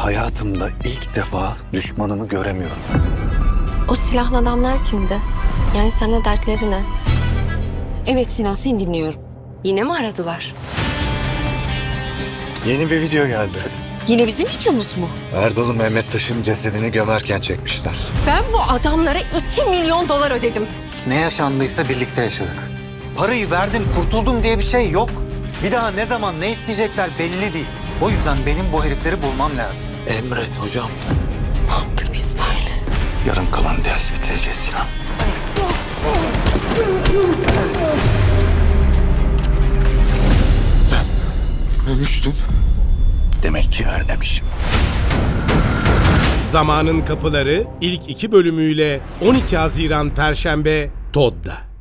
hayatımda ilk defa düşmanımı göremiyorum. O silahlı adamlar kimdi? Yani seninle dertleri ne? Evet Sinan, seni dinliyorum. Yine mi aradılar? Yeni bir video geldi. Yine bizim videomuz mu? Erdal'ı Mehmet Taş'ın cesedini gömerken çekmişler. Ben bu adamlara 2 milyon dolar ödedim. Ne yaşandıysa birlikte yaşadık. Parayı verdim, kurtuldum diye bir şey yok. Bir daha ne zaman ne isteyecekler belli değil. O yüzden benim bu herifleri bulmam lazım. Emret hocam. Ne yaptık biz böyle? Yarım kalan ders bitireceğiz Sinan. Sen ölmüştün. Demek ki ölmemişim. Zamanın Kapıları ilk 2 bölümüyle 12 Haziran Perşembe TOD'da.